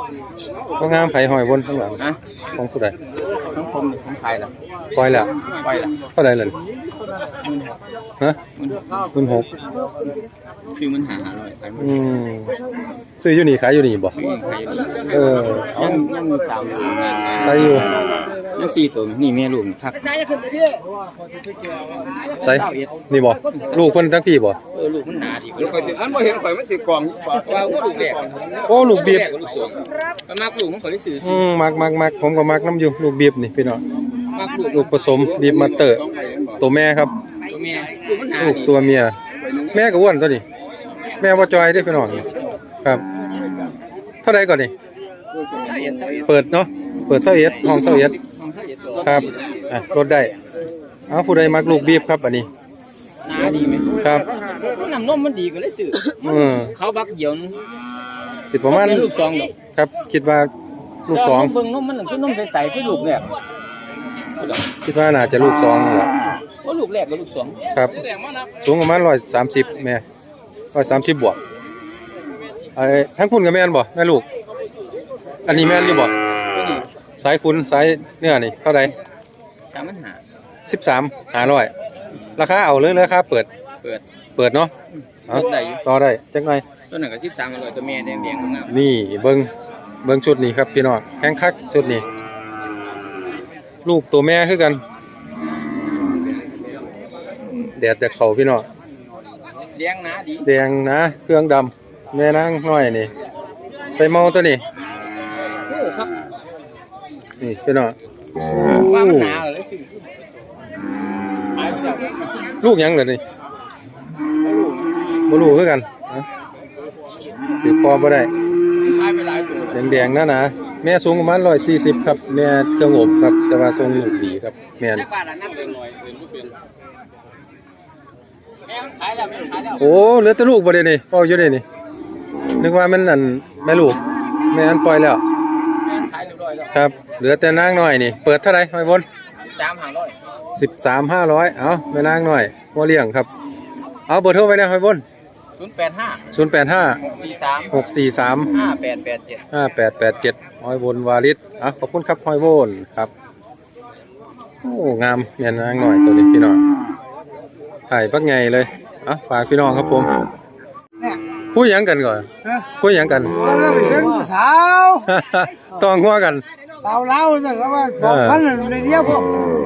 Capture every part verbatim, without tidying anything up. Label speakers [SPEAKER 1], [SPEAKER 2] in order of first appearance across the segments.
[SPEAKER 1] ก็งามไผ่หอยบนข้างหลังนะของผู้ใด
[SPEAKER 2] ของผมของใครล่ะ
[SPEAKER 1] ปล่อยแล้ว
[SPEAKER 2] ปล่อยล่ะ
[SPEAKER 1] เท่าใดเลยฮะมันหก
[SPEAKER 2] ซื้อมันหาหาเลย
[SPEAKER 1] อืมซื้ออยู่นี่ขายอยู่นี่บ่เออ
[SPEAKER 2] ยังยังมีสาม
[SPEAKER 1] ขายอยู่
[SPEAKER 2] ยังสี่ตัวนี่แม่ลูกครับ
[SPEAKER 1] ใส่นี่บ่ลูกเพิ่นทั้งพี่บ่
[SPEAKER 2] เออลูกมันหนาดิลูกอันบ่เห็นข่อยมันสิกล่องว่าว่าลูกแรก
[SPEAKER 1] โอ้ลูกบีบ
[SPEAKER 2] มันมักลูกมันข่อยได้ซื้อ
[SPEAKER 1] อืมมักมักมักผมก็มักน้ำอยู่ลูกบีบนี่พี่น้อง
[SPEAKER 2] มักลูก
[SPEAKER 1] ลูกผสมบีบมาเตอร์ตัวแม่ครับ
[SPEAKER 2] ตัวแม่ลูกมันหนา
[SPEAKER 1] ลูกตัวเมียแม่ก็อ้วนตัวนี้แม่บ่จอยเด้พี่น้องครับเท่าใดก่อนนี่เปิดเนาะเปิดเซาเอ็ดห้องเซาเอ็ดครับอ่ะลดได้เอาผู้ใดมักลูกบีบครับอันนี้
[SPEAKER 2] หนาดีไหม
[SPEAKER 1] ครับ
[SPEAKER 2] น้ำนมมันดีก็เลยซื้อเขาบักเหี่ยว
[SPEAKER 1] สิประมาณ
[SPEAKER 2] ลูกสองดอก
[SPEAKER 1] ครับคิดว่าลูกสอง
[SPEAKER 2] เบิ่งนมมันคือนมใสๆคือลูกแรก
[SPEAKER 1] คิดว่าน่าจะลูกสองแหละ
[SPEAKER 2] ว่าลูกแรกกับลูกสอง
[SPEAKER 1] ครับสูงประมาณร้อยสามสิบแม่ร้อยสามสิบบวกไอ้ทั้งคุณกับแม่นบ่แม่ลูกอันนี้แม่นอยู่บ่สายคุณสายเนื้อนี่เท่าไหร่
[SPEAKER 2] สามพันห้า
[SPEAKER 1] สิบสามห้าร้อยราคาเอาเลยราคาเปิด
[SPEAKER 2] เปิด
[SPEAKER 1] เปิดเนาะต่อได้จังไง
[SPEAKER 2] ตัวหนึ่งกับสิบสามอร่อยตัวแม่แดงแดงงาม
[SPEAKER 1] นี่เบิ้งเบิ้งชุดนี้ครับพี่น้องแข้งคักชุดนี้ลูกตัวแม่คือกันแดดจะเข่าพี่น้อง
[SPEAKER 2] แดงนะดี
[SPEAKER 1] แดงนะเครื่องดำแม่นางน้อยนี่ใส่เมาตัวนี้
[SPEAKER 2] โอ้ครับ
[SPEAKER 1] นี่พี่น้อง
[SPEAKER 2] ว่ามันหนาเลยสิ
[SPEAKER 1] ลูกยังเลยนี่บ่รู้คือกันสิพอบ่ได้แดงๆนะนะแม่สูงประมาณร้อยสี่สิบครับแม่เครื่องอบครับแต่ว่าทรงลูกดีครับแม่โอ้เหลือแต่ลูกบ่ได้นี่พ่ออยู่ได้นี่นึกว่ามันอันแม่ลูกแม่อันปล่อยแล้วครับเหลือแต่นางน้อยนี่เปิดเท่าไหร่หอยบนสิบสามห้าร้อยเอาแม่นางน้อยหัวเลี้ยงครับเอาเบอร์โทรไว้นะหอยบน
[SPEAKER 2] ศูนย์แปดห้า
[SPEAKER 1] ศูนย์แปดห้าหกสี่สาม
[SPEAKER 2] ห้าแปดแปดเจ็ด
[SPEAKER 1] ห้าแปดแปดเจ็ดหอยบนวาริศอ่ะขอบคุณครับหอยบนครับโอ้งามแม่นางน้อยตัวนี้พี่น้องถ่ายปักไงเลยอ่ะฝากพี่น้องครับผมพูดยังกันก่อนพูดยังกัน
[SPEAKER 3] สาว
[SPEAKER 1] ต้องหัวกัน
[SPEAKER 3] เต่าเล้าแต่ว่าสองพันเลยเดียวพวก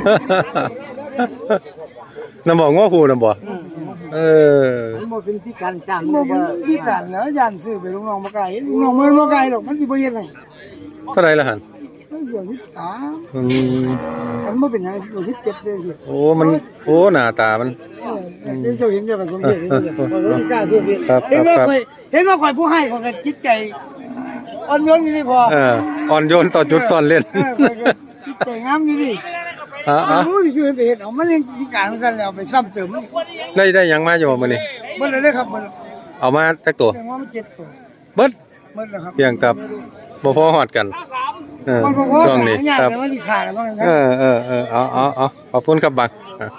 [SPEAKER 1] น้ำบอกง้อผูน้ำบอกเออ
[SPEAKER 3] มันเป็นพิการจ้างมันเป็นพิการแล้วยันซื้อไปลุงน้องมาไก่ลุงน้องมันมาไก่หรอกมันสิบ่เฮ็ดไง
[SPEAKER 1] เท่าไรละหัน
[SPEAKER 3] เสียสิบสามอืมมันไม่เป็นยังไงสิบเจ็ดเลยสิ
[SPEAKER 1] โอ้มันโอ้หน้าตามัน
[SPEAKER 3] เจ้าเห็นเจ้าก็สมเด็จนี่เลยว่าสิกล้าซื้อพี่เห็นว่าข่อยเห็นว่าข่อยผู้ให้ข่อยก็จิตใจอ่อนโยนอยู่นี่พอ
[SPEAKER 1] เอออ่อนโยนต่อจุดซ่อนเล่น
[SPEAKER 3] จิตใจงามอยู่นี่
[SPEAKER 1] อ๋อ
[SPEAKER 3] รู้ที่ซื้อไปเห็นเอามันยังพิการกันแล้วไปซ้ำเติม
[SPEAKER 1] ได้ได้ยังมาอยู่มื้อนี้
[SPEAKER 3] เบิดเลยครับ
[SPEAKER 1] เอามาจักตัว
[SPEAKER 3] เจ็ดตัว
[SPEAKER 1] เบิด
[SPEAKER 3] เบิดแล้วครับ
[SPEAKER 1] เพียงกับบ่พอฮอดกันเออช่วงนี้ครับเออเออเออเอาเอาเอาขอบคุณครับบัง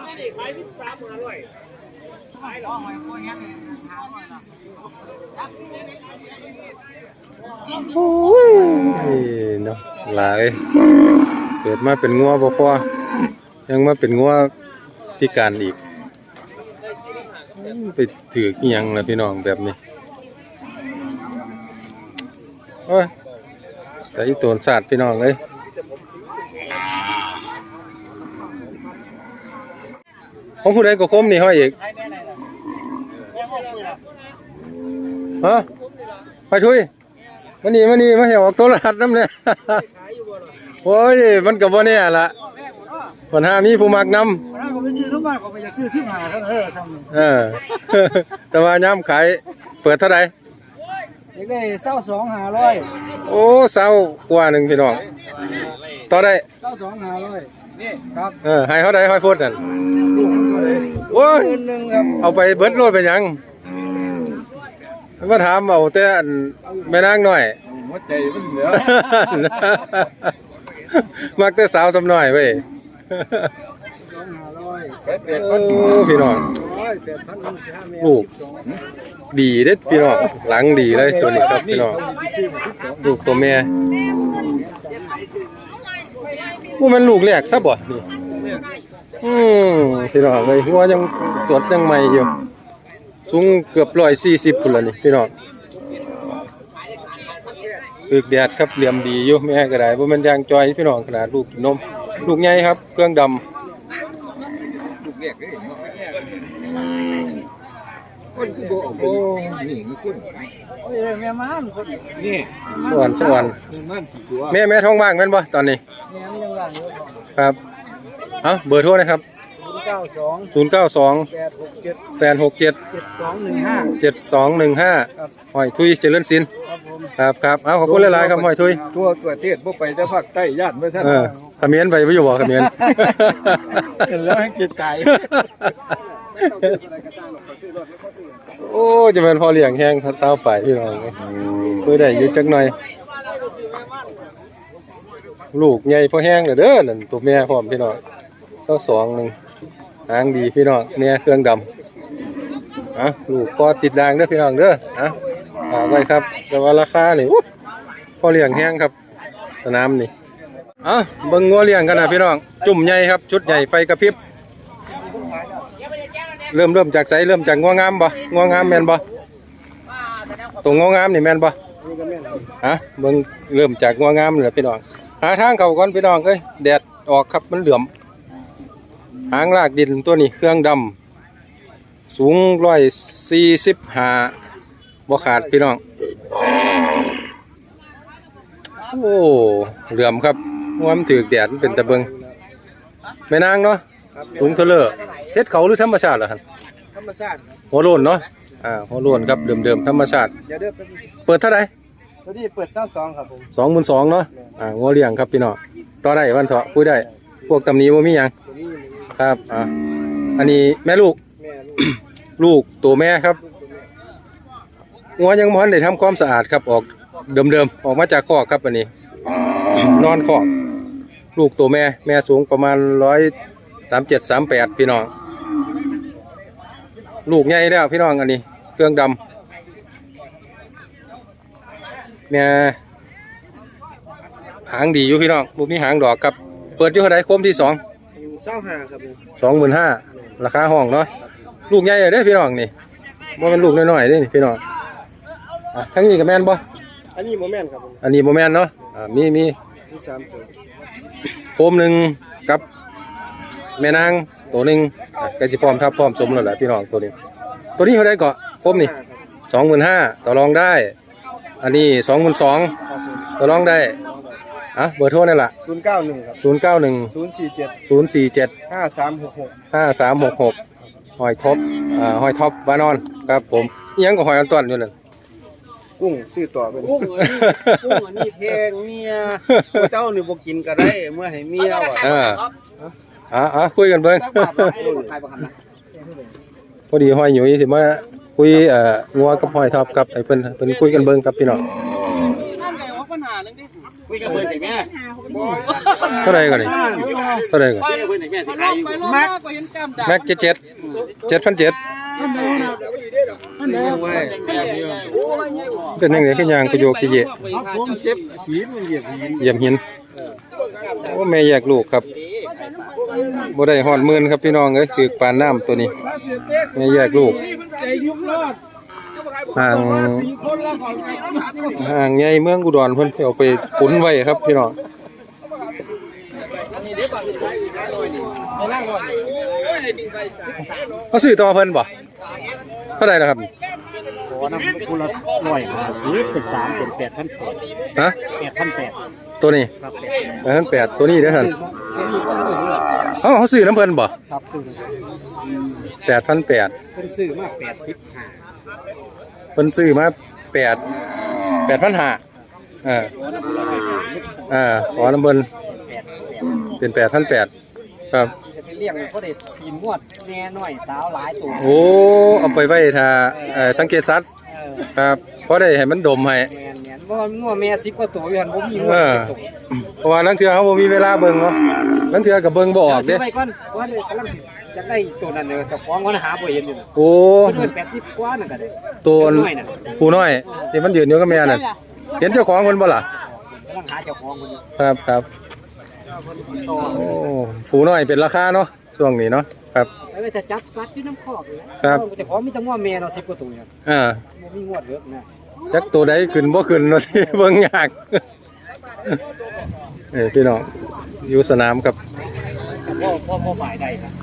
[SPEAKER 1] โอ้ยเนาะหลายเกิดมาเป็นงัวบ่พอยังมาเป็นงัวพิการอีกไปถือกี่ยังล่ะพี่น้องแบบนี้โอ้ยแต่อีโตนศาสตร์พี่น้องเลยของผู้ใดก็คมนี่ห้อยอีกฮะไปช่วยมานี่มานี่มาเหี่ยวออกโทรทัศน์น้ำเลยโอ้ยมันกับว่าเนี่ยละปัญหามีผู้มักนำเออแต่ว่าย้ำขายเปิดเท่าไหร่
[SPEAKER 3] ได้เศร้าสองหาร้อย
[SPEAKER 1] โอ้เศร้ากว่าหนึ่งพี่น้องต่อได้
[SPEAKER 3] เศร้าสองหาร้อยนี่ครับ
[SPEAKER 1] เออให้เขาได้ค่อยพูดกันโอ้ยเอาไปเบิดโลดไปยังมาถามเอาแต่แม่นางหน่อย
[SPEAKER 3] หัวใจมันเหลือ
[SPEAKER 1] มักแต่สาวสำหน่อยเว้ยพี่น้องลูกดีเด้อพี่น้องหลังดีเลยตัวนี้ครับพี่น้องลูกตัวแม่ว่ามันลูกแรกซะบ่นี่อืมพี่น้องเอ้ยหัวยังสดยังใหม่อยู่สูงเกือบหนึ่งร้อยสี่สิบพุ่นละนี่พี่น้องปึกแดดครับเหลี่ยมดีอยู่แม่ก็ได้บ่แม่นยางจอยพี่น้องขนาดลูกกินนมลูกใหญ่ครับเครื่องดำ
[SPEAKER 2] คนคือบ่โอ้นี่มีคน
[SPEAKER 3] โอ้ยแม่ม้านคน
[SPEAKER 2] นี่
[SPEAKER 1] สวรรค์สวรรค์
[SPEAKER 2] มันกี่ตัว
[SPEAKER 1] แม่แม่ท้องว่างแม่นบ่ตอนนี้
[SPEAKER 3] แม่มันยังว่างอยู่
[SPEAKER 1] ครับเอ้าเบอร์โทรนะครับ
[SPEAKER 3] ศูนย์เก้าสอง
[SPEAKER 1] ศูนย์เก้าสอง
[SPEAKER 3] แปดหกเจ็ด
[SPEAKER 1] แปดหกเจ็ด
[SPEAKER 3] เจ็ดสองหนึ่งห้า
[SPEAKER 1] เจ็ดสองหนึ่งห้า
[SPEAKER 3] ครับ
[SPEAKER 1] หอยทุยเจริญศิลป์
[SPEAKER 3] ครับผม
[SPEAKER 1] ครับครับเอาขอบคุณหลายๆครับหอยทุย
[SPEAKER 2] ตัวตัวเทศบ่ไปแต่ภาคใต้ญาติบ่ทัน
[SPEAKER 1] เออเขมิ้นไปไม่อยู่บ่เขมิ้น
[SPEAKER 2] เห็นแล้วให้กินไก่
[SPEAKER 1] โอ้จะเป็นพอเลี้ยงแห้งครับเช้าไปพี่น้องเอ้ยคุยได้อยู่จักหน่อย ลูกใหญ่พอแห้งเด้อนั่นตัวแม่พร้อมพี่น้องเช้าสองหนึ่งหางดีพี่น้องแม่เครื่องดำอ่ะลูกก็ติดด่างเด้อพี่น้องเด้ออ่ะฝากไว้ครับแต่ว่าราคานี่อู้พอเลี้ยงแห้งครับสนามนี่อ่ะเบิ่งงัวเลี้ยงกันนะพี่น้องจุ่มใหญ่ครับชุดใหญ่ไฟกระพริบเริ่มเริ่มจากไสเริ่มจากงัวงามบ่งัวงามแม่นบ่ตรงงัวงามนี่แม่นบ่ฮะเบิ่งเริ่มจากงัวงามนี่แหละพี่น้องหาทางเข้าก่อนพี่น้องเอ้ยแดดออกครับมันเหลื่อมหางลากดินตัวนี้เครื่องดำสูงร้อยสี่สิบห้าบ่ขาดพี่น้องโอ้เหลื่อมครับว่ามันถือแดดมันเป็นตะเบิงแม่นางเนาะสูงเท่าเลอเฮ็ดเขาหรือธรรมชาติเหรอครับ
[SPEAKER 3] ธรรมชาติครับ
[SPEAKER 1] หัวโลนเนาะอ่าหัวโลนครับเดิมๆธรรมชาติ
[SPEAKER 3] เดี๋ยวเด้อเป็น
[SPEAKER 1] เปิดเท่าไหร่
[SPEAKER 3] ตัวนี้เปิดเก้าสองครับผม
[SPEAKER 1] สองหมื่นสองเนาะอ่างัวเลี้ยงครับพี่น้องต่อได้วันเถาะคุยได้พวกตำหนี้บ่มีหยัง
[SPEAKER 3] ตัวนี้
[SPEAKER 1] ครับอ่าอันนี้แม่ลูก
[SPEAKER 3] แม่ลูก
[SPEAKER 1] ลูกตัวแม่ครับงัวยังบ่ทันได้ทำความสะอาดครับออกเดิมๆออกมาจากคอกครับอันนี้ นอนคอกลูกตัวแม่แม่สูงประมาณร้อยสามเจ็ดสามแปดพี่น้องลูกใหญ่แล้วพี่น้องอันนี้เครื่องดำแม่หางดีอยู่พี่น้องบุมีหางดอกครับเปิดอยู่เท่าไหร่โคมที่สอง
[SPEAKER 3] เศร้าห่าครับผม
[SPEAKER 1] สองหมื่นห้าราคาห้องเนาะลูกใหญ่เลยเด้อพี่น้องนี่ว่ามันลูกน้อยๆเด้อนี่พี่น้องอ่ะทั้งนี้กับแม่นบ่
[SPEAKER 3] อันนี้โมแมนครับผม
[SPEAKER 1] อันนี้โมแมนเนาะอ่ามีมี
[SPEAKER 3] มีสามตัว
[SPEAKER 1] โคมหนึ่งกับแม่นางตัวหนึ่งอ่ะก็จะพร้อมทับพร้อมสมแล้วแหละพี่น้องตัวนี้ ตัวนี้เท่าไหร่เกาะโคมนี่สองหมื่นห้าต่อรองได้ อันนี้สองหมื่นสองต่อรองได้อ่ะเบอร์โทรนี่แหละ
[SPEAKER 3] ศูนย์เก้าหนึ่งครับ
[SPEAKER 1] ศูนย์เก้าหนึ่ง
[SPEAKER 3] ศูนย์สี่เจ็ด
[SPEAKER 1] ศูนย์สี่เจ็ด
[SPEAKER 3] ห้าสามหกหก
[SPEAKER 1] ห้าสามหกหกหอยท็อปอ่าหอยท็อปบ้านนอนครับผมอิหยังกับหอยอันต้นอยู่นั่น
[SPEAKER 3] กุ้งซื้อต่อเป็นกุ้งอันนี้กุ้งอันนี้แพงเมียเจ้านี่บ่กินก็ได้เมื่อให้เมียว่ะ
[SPEAKER 1] อ่าอ่าอ่าคุยกันเบิ้ง พอดีหอยหนุ่ยสิมาคุยเอ่องัวกับหอยท็อปครับไอ้เพิ่นเพิ่นคุยกันเบิ้งครับพี่น้อง
[SPEAKER 2] คุยกับเพิ่นได้แม่
[SPEAKER 1] เท่าไหร่ก่อนนี่เท่าไหร่ก่อน
[SPEAKER 2] คุยกับเพิ่นได้แม่สิขายอยู่
[SPEAKER 3] แม็ก
[SPEAKER 1] แม็กเจ็ดเจ็ดเจ็ดพันเจ็ด
[SPEAKER 2] เว้ยแบบนี้
[SPEAKER 1] เป็นยังไงขึ้นยางกระโยกกระเยะ
[SPEAKER 3] ผมเจ็บหินมันเหยียบหิน
[SPEAKER 1] เยี่ยมหินโอ้แม่แยกลูกครับบ่ได้หอดหมื่นครับพี่น้องเอ้ยคือปานน้ำตัวนี้แม่แยกลูกห่างห่างใหญ่เมืองอุดรเพิ่นสิเอาไปขุนไว้ครับพี่น้องเขาซื้อต่อเพิ่นบ่เท่าไหร่ล่ะครับ
[SPEAKER 3] ขอน้ำกุละร้อยห้าสิบเป็นสามเป็นแปดพันแปด
[SPEAKER 1] ฮะ
[SPEAKER 3] แปดพันแปด
[SPEAKER 1] ตัวนี้
[SPEAKER 3] ครับ
[SPEAKER 1] แปดพันแปดตัวนี้เด้อท่านเขาเขาซื้อน้ำเพิ่นบ่
[SPEAKER 3] ครับซื้อ
[SPEAKER 1] แปดพันแปด
[SPEAKER 3] เป็นซื้อมาแปดสิบห้า
[SPEAKER 1] เพิ่นซื้อมาแปดแปดพันห้าเอออ่าขอน้ำเพิ่นเป็นแปดพันแปดครับ
[SPEAKER 3] จะไปเลี้ยงเขาได้ปีมวดแน่น้อยสาวหลายตัว
[SPEAKER 1] โอ้เอาไปไว้ถ้าเอ่อสังเกตสัตว์
[SPEAKER 3] เออ
[SPEAKER 1] ครับเพราะได้ให้มันดมให้
[SPEAKER 3] แมนแมนเพราะว่างัวแม่สิบกว่าตัวอยู่หันผมมีงัว
[SPEAKER 1] เออ
[SPEAKER 3] ตัว
[SPEAKER 1] เพราะว่าลังเทื่อเขาบ่มีเวลาเบิ่งเนาะลังเทื่อก็เบิ่งบ่ออก
[SPEAKER 3] เดี๋
[SPEAKER 1] เด้
[SPEAKER 3] ยวไปก่อนว่าเลยกำลังสิ
[SPEAKER 4] จะได้ตัวนั้นเนี่ยจะฟ้องวันหาบ่เห็นอยู่
[SPEAKER 1] โอ้
[SPEAKER 4] เพิ่นแปดสิบกว่านั่นก็ได้
[SPEAKER 1] ตัว
[SPEAKER 4] น้อยน่ะ
[SPEAKER 1] ผู้น้อยที่มันยืนอยู่กับแม่นั่นเห็นเจ้าของเพิ่นบ่ล่ะ
[SPEAKER 4] กำลังหาเจ้าของมันอยู่
[SPEAKER 1] ครับครับโอ้ผู้น้อยเป็นราคาเนาะช่วงนี้เนาะครับ
[SPEAKER 4] แล้วจะจับสัตว์อยู่น้ำคอกเลยนะครับ เจ้าของมีแต่งัวแม่เนาะสิบกว่าตัวเนี่ย
[SPEAKER 1] อ่า
[SPEAKER 4] บ่มีงวดเยอะนะ
[SPEAKER 1] จักตัวใดขึ้นบ่ขึ้นเนาะ ที่เบิ่งยาก เอ้ยพี่น้องอยู่สนามครับ
[SPEAKER 4] พ่อพ่อพ่อฝ่ายใดนะ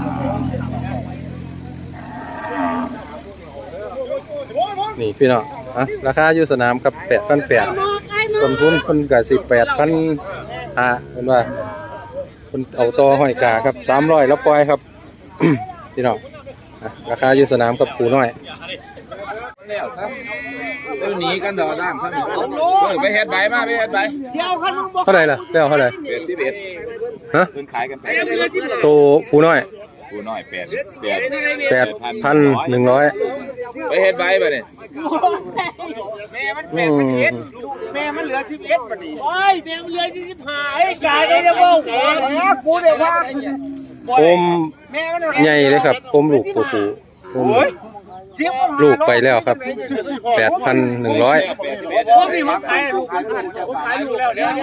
[SPEAKER 1] นี่พี่น้องอ่ะราคาอยู่สนามครับแปดพันแปดต้นทุนเพิ่นก็สิแปดพันห้าเพิ่นว่าเพิ่นเอาต่อห้อยกาครับสามร้อยแล้วปล่อยครับ พี่น้องอ่ะราคาอยู่สนามกับปูน้อย
[SPEAKER 2] แล้วครับเดี๋ยวหนีกันดอกด้ามครับไปเฮ็ดใบมาไปเฮ็ดใบ
[SPEAKER 3] เที่ยวคันมึงบ่
[SPEAKER 1] เท่าไหร่ล่ะแล้วเท่าไหร่
[SPEAKER 2] แปดสิบเอ็ด
[SPEAKER 1] ฮะ
[SPEAKER 2] เพิ่นขายกันไป
[SPEAKER 1] ตัวปูน้อย
[SPEAKER 2] กูน้อยแปดแปด
[SPEAKER 1] แปดพันหนึ่งร้อย
[SPEAKER 2] ไปเฮ็ดใบบ่เนี่ย
[SPEAKER 3] แม่มันแปดมันเอ็ดแม่มันเหลือสิบเอ็ดบัดนี้
[SPEAKER 5] โอ้ยเพียงเรือสี่สิบห้าไอ้กายได้แล้วว่าโอ้ย
[SPEAKER 3] แล้วกูเดี๋ยวว่า
[SPEAKER 1] โคม
[SPEAKER 3] แม่มัน
[SPEAKER 1] ใหญ่เลยครับโคมลูกตัวปูโคม
[SPEAKER 3] สิบ
[SPEAKER 1] ลูกไปแล้วครับแปดพันหนึ่งร้อย
[SPEAKER 5] ว่ามีคนขายลูกคนขายลูกแล้วเดี๋ยวนี้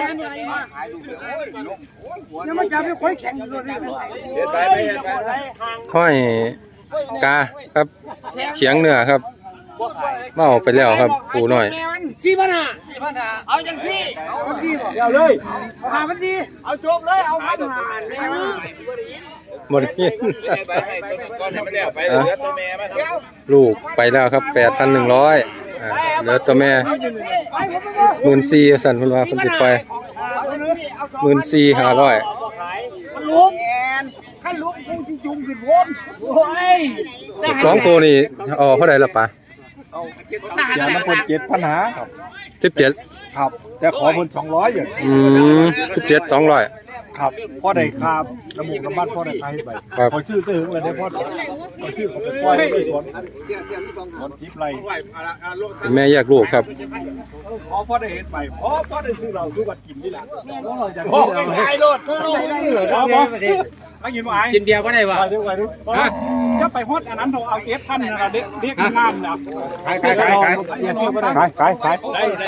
[SPEAKER 3] เนี่ยมันจะไม่ค่อยแข็งอยู่เลย
[SPEAKER 2] เฮ็ดใบไปเฮ็ดใบ
[SPEAKER 1] ห้อยกาครับเขียงเนื้อครับเมาไปแล้วครับปูน้อย
[SPEAKER 5] สี่พันห้า
[SPEAKER 3] เอาจังซี่เอาดีบ่
[SPEAKER 5] เดี๋ยวเลย
[SPEAKER 3] เอาหามันดีเอาจบเลยเอาพันหาแม่มัน
[SPEAKER 1] หมดเงี้ย
[SPEAKER 2] เฮ็ดใบให้ก้อนให้มันแล้วไปเหลือตัวแม่มัน
[SPEAKER 1] ลูกไปแล้วครับแปดพันหนึ่งร้อยเหลือตัวแม่หมื่นสี่สั่นเพิ่นว่าเพิ่นสิไปหมื่นสี่ห้าร้อย
[SPEAKER 5] มันลุก
[SPEAKER 3] แอนขั้นลุกกูที่จุ่มขึ้นวน
[SPEAKER 5] โอ้ย
[SPEAKER 1] สองตัวนี่อ๋อเท่าไหร่ละปะ
[SPEAKER 6] เดี๋ยวมันคนเจ็ดปัญหาครับ
[SPEAKER 1] สิบเจ็ด
[SPEAKER 6] ครับ แต่ขอเพิ่นสองร้อยอย่าง
[SPEAKER 1] อืมสิบเจ็ดสองร้อย
[SPEAKER 6] ครับพ่อได้คาบน้ำมูกน้ำมันพ่อได้ใครไป
[SPEAKER 1] ครับ
[SPEAKER 6] พอชื่อตื้อเลยได้พ่อพอชื่อผมจะปล่อยไปสวนสวนทิพย์ไร
[SPEAKER 1] เป็นแม่แยกลูกครับ
[SPEAKER 6] พอพ่อได้เห็นไปพอพ่อได้ซื้อเราทุกวันกินนี่แหละ
[SPEAKER 5] โอ้ยขายรถ
[SPEAKER 6] ไม่กินว่าไอ้
[SPEAKER 4] กินเบียร์บ่ได้บ่
[SPEAKER 6] ไปดูไปดูจะไปฮอดอันนั้นเราเอาเอฟพันนะครับเด็กเด็กงามนะขายขายขายขายขายขายขาย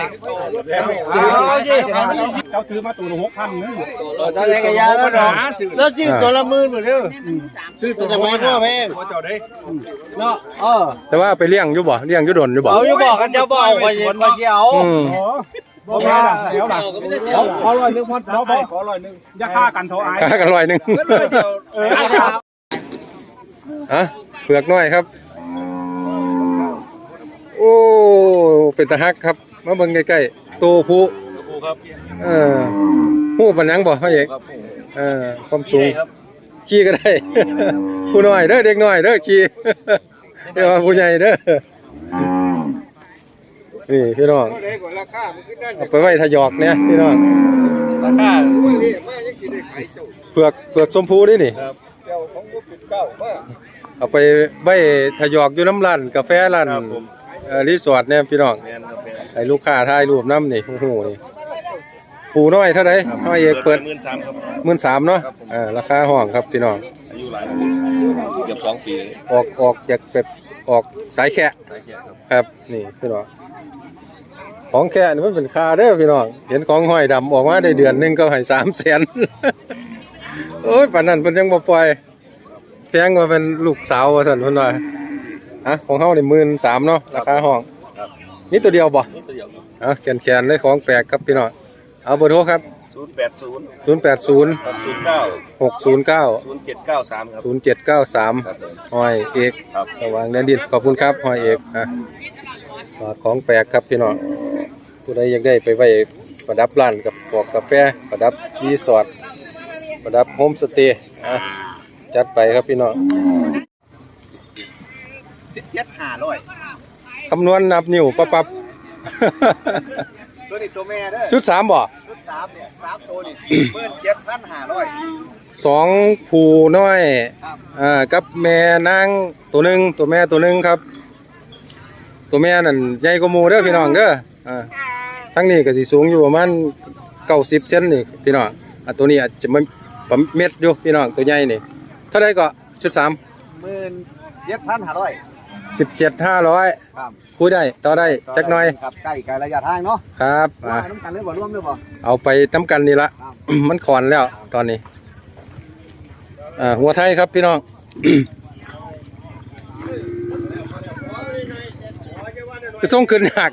[SPEAKER 6] เจ้าซื้อมาตัวละหกพันนึง
[SPEAKER 3] จะได้กระยาแล้วเนาะแล้วจีตัวละหมื่นหมดเลย
[SPEAKER 6] ซื้อตัวละหมื่นพ่อแม่เจ้าได้
[SPEAKER 3] เนาะเออ
[SPEAKER 1] แต่ว่าไปเลี้ยงอยู่บ่เลี้ยงอยู่ดนอยู่บ่
[SPEAKER 3] เอาอยู่บอกกันเดี๋ยวบอกว่าเย็นว่าเกี่ยว
[SPEAKER 1] อืม
[SPEAKER 6] บ่แม่ล่ะเดี๋ยวล่ะขอร้อยนึงพ่อเราไปขอร้อยนึงอย่าฆ่ากันเท่าไอ้
[SPEAKER 1] ค่ากันร้อยหนึง
[SPEAKER 6] เออ
[SPEAKER 1] อ่ะเผือกน้อยครับ โอ้เป็นตะฮักครับมาเบิ่งใกล้ๆตัวผู้เออฮู้ปานหยังบ่เฮาเอกเออความสูงขี่ก็ได้ ผู้น้อยเด้อเด็กน้อยเด้อขี่ เดี๋ยวว่าผู้ใหญ่เด้อนี่พี่น้องเอาไปไว้ทะยอกเนี่ยพี่น้องเผือกเผือกชมพูนี่นี่เอาไปไว้ทะยอกอยู่น้ำร้านกาแฟร้านเอ่อรีสอร์ทเนี่ยพี่น้องให้ลูกค้าถ่ายรูปน้ำนี่โอ้โหนี่ปูน้อยเท่าไหร่น้อยเอกเปิด
[SPEAKER 2] หมื่นสามครับ
[SPEAKER 1] หมื่นสามเนาะอ่าราคาห้องครับพี่น้อง
[SPEAKER 2] อายุหลายเกือบสองปี
[SPEAKER 1] ออกออกจากแบบออกสายแคะครับนี่พี่น้องของแคะนี่มันเป็นคาเด้อพี่น้องเห็นของห้อยดำออกมาได้เดือนหนึงก็ให้สามแสน โอ้ยป่านนั้นเพิ่นยังบ่ปล่อยแพงกว่าเป็นลูกสาวว่าซั่นเพิ่นว่าอ่ะของเฮานี่หมื่นสามเนาะราคาห้องนี่ตัวเดียวบ่อ่ะแขนๆเลยของแปลกครับพี่น้องเอาเบอร์โทรครับ
[SPEAKER 2] ศูนย์แปดศูนย์
[SPEAKER 1] ศูนย์แปดศูนย์
[SPEAKER 2] หกศูนย์เก้า
[SPEAKER 1] หกศูนย์เก้า
[SPEAKER 2] ศูนย์เจ็ดเก้าสามครับ
[SPEAKER 1] ศูนย์เจ็ดเก้าสาม
[SPEAKER 2] ครับผม
[SPEAKER 1] ห้อยเอก
[SPEAKER 2] ครับ
[SPEAKER 1] สว่างแดนดินขอบคุณครับห้อยเอกอ่ะฝากของแปลกครับพี่น้องผู้ใดอยากได้ไปไว้ประดับร้านกับพวกกาแฟประดับรีสอร์ทประดับโฮมสเตย์อ่ะจัดไปครับพี่น้อง
[SPEAKER 6] สิบเจ็ดห้าร้อย
[SPEAKER 1] คำนวณนับนิ้วปั๊บปั๊บ
[SPEAKER 6] ตัวนี้ตัวแม่เด้อ
[SPEAKER 1] ชุดสามบ่
[SPEAKER 6] ชุดสามเนี่ยสามตัวนี่เพิ่นเจ็ดพันห้าร้อย
[SPEAKER 1] สองผูน้อย
[SPEAKER 6] ครับ
[SPEAKER 1] อ่ากับแม่นางตัวหนึ่งตัวแม่ตัวหนึ่งครับ ตัวแม่นั่นใหญ่กว่าหมูเด้อพี่น้องเด้ออ่าทั้งนี้ก็สิสูงอยู่ประมาณเก้าสิบเซนนี่พี่น้องอ่ะตัวนี้อาจจะไม่ประเม็ดอยู่พี่น้องตัวใหญ่นี่เท่าไรก็ชุดสาม
[SPEAKER 6] หมื่นเจ็ดพันห้าร้อย
[SPEAKER 1] สิบเจ็ดห้าร้อย
[SPEAKER 6] ครับ
[SPEAKER 1] คุยได้ต่อได้จักหน่อย
[SPEAKER 6] ครับใกล้ไกลระยะทางเนาะ
[SPEAKER 1] ครับ
[SPEAKER 6] ว่า
[SPEAKER 1] อ่ะ
[SPEAKER 6] น้ำกันเลยบ่ร่วมเลยบ่
[SPEAKER 1] เอาไปน้ำกันนี่ละ มันขอนแล้วตอนนี้อ่าหัวไทยครับพี่น้อง คือส่งขึ้นหัก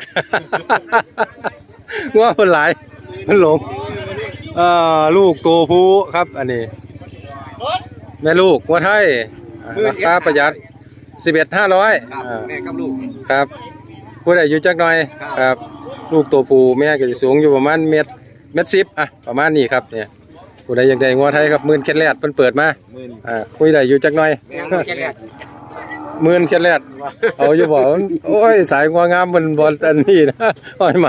[SPEAKER 1] ว่ามันหลายมันหลงอ่าลูกตัวผู้ครับอันนี้แม่ลูกหัวไทยอ่าราคาประหยัดสิบเอ็ดห้าร้อย
[SPEAKER 6] ครับแม่กับลูก
[SPEAKER 1] ครับผู้ใดอยู่จักหน่อย
[SPEAKER 6] ครับ
[SPEAKER 1] ครับ ลูกตัวผู้แม่ก็จะสูงอยู่ประมาณเมตรเมตรสิบอ่ะประมาณนี้ครับเนี่ยผู้ใดอยากได้งัวไทยครับหมื่นแคทแลดเพิ่นเปิดมา
[SPEAKER 6] หมื่น
[SPEAKER 1] อ่าคุยได้อยู่จักหน่อย
[SPEAKER 6] แม่แค่แรก
[SPEAKER 1] หมื่นแคทแลดเอาอยู่บ่มันโอ้ยสายงัวงามมันบ่อันนี้นะอ้อยไม้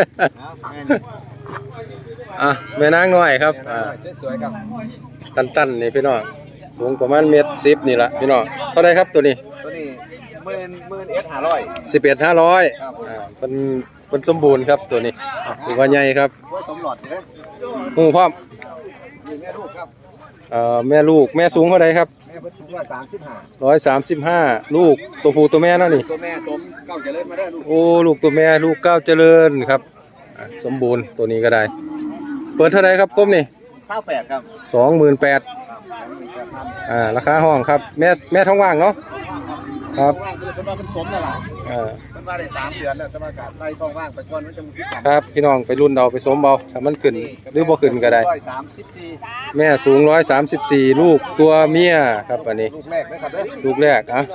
[SPEAKER 1] อ่ะแม่นางน้อยครับอ่า
[SPEAKER 6] สวยๆครับ
[SPEAKER 1] ตันๆนี่พี่น้องสูงประมาณเมตรสิบนี่ล่ะพี่น้องเท่าใดครับตัวนี้
[SPEAKER 6] ตัวนี้หมื่นหมื่นเอ็ดห้าร้อย
[SPEAKER 1] สิบเอ็ดห้าร้อย
[SPEAKER 6] ครับ
[SPEAKER 1] อ่าเป็นเป็นสมบูรณ์ครับตัวนี้ถือว่าใหญ่ครับ
[SPEAKER 6] โอ้ยสมหลอดเลย
[SPEAKER 1] หูพร้อม
[SPEAKER 6] นี่แม่ลูกครับ
[SPEAKER 1] เอ่อแม่ลูกแม่สูงเท่าไรครับ
[SPEAKER 6] แม่เพิ่นสูงร้อยสามสิบห้า
[SPEAKER 1] ร้อยสามสิบห้าลูกตัวผู้ตัวแม่เนาะนี่
[SPEAKER 6] ตัวแม่สมเก้าเจริญมาได้อลูก
[SPEAKER 1] โอ้ลูกตัวแม่ลูกเก้าวเจริญครับอ่ะสมบูรณ์ตัวนี้ก็ได้ เปิดเท่าไรครับก้มนี่
[SPEAKER 6] เศร้าแปดครับ
[SPEAKER 1] สองหมื่นแปดอ่าราคาห้องครับแม่แม่ท้องว่างเนาะครับ
[SPEAKER 6] ว่างคือเพิ่นว่าเพิ่นสมนั่นล่ะ
[SPEAKER 1] อ่า
[SPEAKER 6] เพิ่นว่าได้สามเดือนแล้วจะมากาดใส่ท้องว่างไปก่อนมันจะมีความ
[SPEAKER 1] ครับพี่น้องไปรุ่นเอาไปสมเบาถ้ามันขึ้นหรือบ่ขึ้นก็ได้
[SPEAKER 6] ร้อยสามสิบสี่
[SPEAKER 1] แม่สูงร้อยสามสิบสี่ลูกตัวเมียครับอันนี้
[SPEAKER 6] ลูกแรกนะครับเด้อ
[SPEAKER 1] ลูกแรกอ่ะ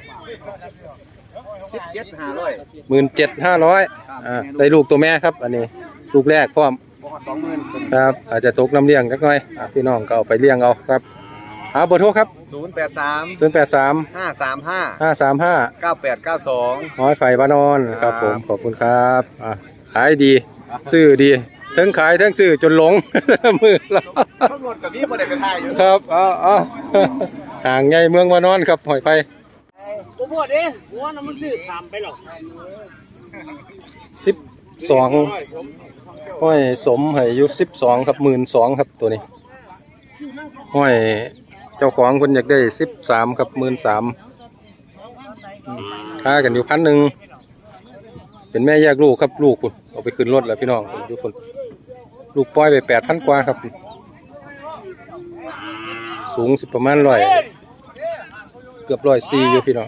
[SPEAKER 6] สิบเจ็ดห้าร้อย
[SPEAKER 1] หมื่นเจ็ดห้าร้อยอ่าได้ลูกตัวแม่ครับอันนี้ลูกแรกพร้อม
[SPEAKER 6] บ่ฮอดสองหมื่น
[SPEAKER 1] ครับอาจจะตกน้ำเลี้ยงจักหน่อยอ่ะพี่น้องก็เอาไปเลี้ยงเอาครับเอาเบอร์โทรครับ
[SPEAKER 6] ศูนย์แปดสาม
[SPEAKER 1] ศูนย์แปดสาม
[SPEAKER 6] ห้าสามห้า
[SPEAKER 1] ห้าสามห้า
[SPEAKER 6] เก้าแปดเก้าสอง
[SPEAKER 1] น้อยไฟบ้านนอนครับผมขอบคุณครับอ่ะขายดีซื้อดีทั้งขายทั้งซื้อจนหลง มือเรา
[SPEAKER 6] ตำรวจกับพี่บ่ได้ไปถ่ายอยู่
[SPEAKER 1] ครับเอาเอาห่างไงเมืองวานอนครับหอยไฟ
[SPEAKER 4] ตัวพวดเด้หัวน้ำมันซื้อถามไปหรอก
[SPEAKER 1] สิบสองห้อยสมให้อายุสิบสองครับหมื่นสองครับตัวนี้ห้อยเจ้าของคนอยากได้สิบสามครับหมื่นสามค่ากันอยู่พันหนึ่งเป็นแม่แยกลูกครับลูกคุณเอาไปขึ้นรถแล้วพี่น้องทุกคนลูกปล่อยไปแปดพันกว่าครับ สูงสิประมาณร้อยเกือบร้อยสี่อยู่พี่น้อง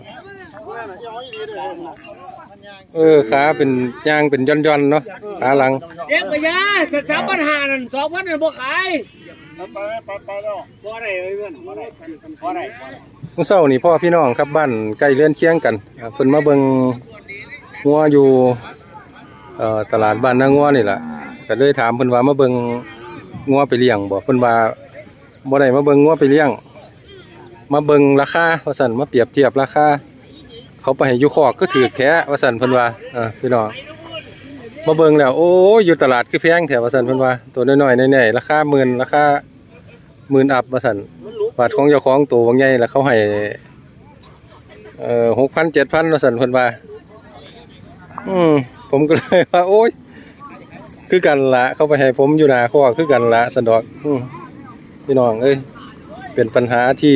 [SPEAKER 1] เออขาเป็นย่างเป็นย่อนๆเนาะขาหลัง
[SPEAKER 4] เด็กไปยาสถาบันหานั่นสองพันนั่นบ่ขายไปไปไปแล้วบ่ได้เงินบ่ได้บ่ได้
[SPEAKER 1] เมื่อเช้านี่พ่อพี่น้องครับบ้านใกล้เรือนเคียงกันอ่าเพิ่นมาเบิ่งงัวอยู่เอ่อตลาดบ้านนางัวนี่แหละก็เลยถามเพิ่นว่ามาเบิ่งงัวไปเลี้ยงบ่เพิ่นว่าบ่ได้มาเบิ่งงัวไปเลี้ยงมาเบิ่งราคาว่าซั่นมาเปรียบเทียบราคาเขาไปให้อยู่คอกก็ถือแท้ว่าซั่นเพิ่นว่าอ่าพี่น้องมาเบิ่งแล้วโอ้ยอยู่ตลาดคือแพงแท้ว่าซั่นเพิ่นว่าตัวน้อยๆแน่ๆราคาหมื่นราคาหมื่นอัพว่าซั่นบาทของเจ้าของตัวบางใหญ่แล้วเขาให้เอ่อ หกพัน เจ็ดพัน ว่าซั่นเพิ่นว่าอืมผมก็เลยว่าโอ้ยคือกันละเขาไปให้ผมอยู่หน้าคอกคือกันละสันดอกอืมพี่น้องเอ้ยเป็นปัญหาที่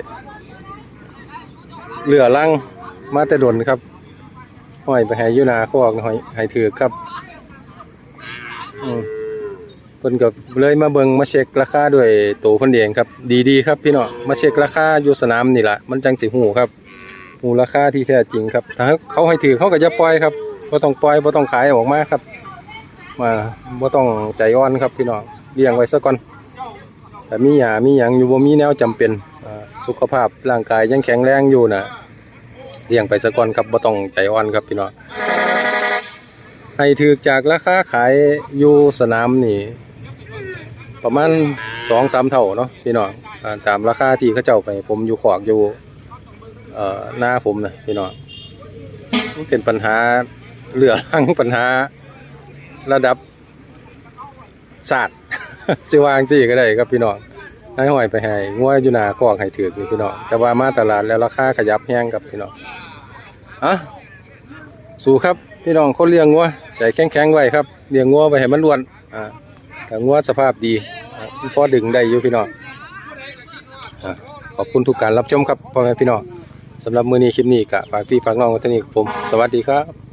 [SPEAKER 1] เหลือลังมาแต่ดนครับห้อยไปให้อยู่หน้าคอกห้อยให้ถือครับอืมเพิ่นก็เลยมาเบิ่งมาเช็คราคาด้วยตัวเพิ่นเองครับดีๆครับพี่น้องมาเช็คราคาอยู่สนามนี่ล่ะมันจังสิฮู้ครับฮู้ราคาที่แท้จริงครับถ้าเขาให้ถือเขาก็จะปล่อยครับบ่ต้องปล่อยบ่ต้องขายออกมาครับมาบ่ต้องใจอ่อนครับพี่น้องเลี้ยงไว้ซะก่อนแต่มีหญ้ามีหยังอยู่บ่มีแนวจำเป็นอ่าสุขภาพร่างกายยังแข็งแรงอยู่น่ะเลี้ยงไปซะก่อนครับบ่ต้องใจอ่อนครับพี่น้องให้ถือจากราคาขายอยู่สนามนี่ประมาณ สองสาม เท่าเนาะพี่น้องอ่าตามราคาที่เขาเจ้าไปผมอยู่ขอกอยู่เอ่อหน้าผมนะพี่น้องมันเป็นปัญหาเหลือรังปัญหาระดับศาสตร์ สิวางสิก็ได้ครับพี่น้องให้หอยไปให้งัวอยู่หน้าคอกให้ถือพี่น้องแต่ว่ามาตลาดแล้วราคาขยับแห้งครับพี่น้องอ่ะสู้ครับพี่น้องคนเลี้ยงงัวใจแข็งๆไว้ครับเลี้ยงงัวไปให้มันล้วนอ่าแต่งัวสภาพดีอ่าพอดึงได้อยู่พี่น้องอ่าขอบคุณทุกการรับชมครับพ่อแม่พี่น้องสำหรับมื้อนี้คลิปนี้ก็ฝากพี่ฝากน้องไว้เท่านี้ครับผมสวัสดีครับ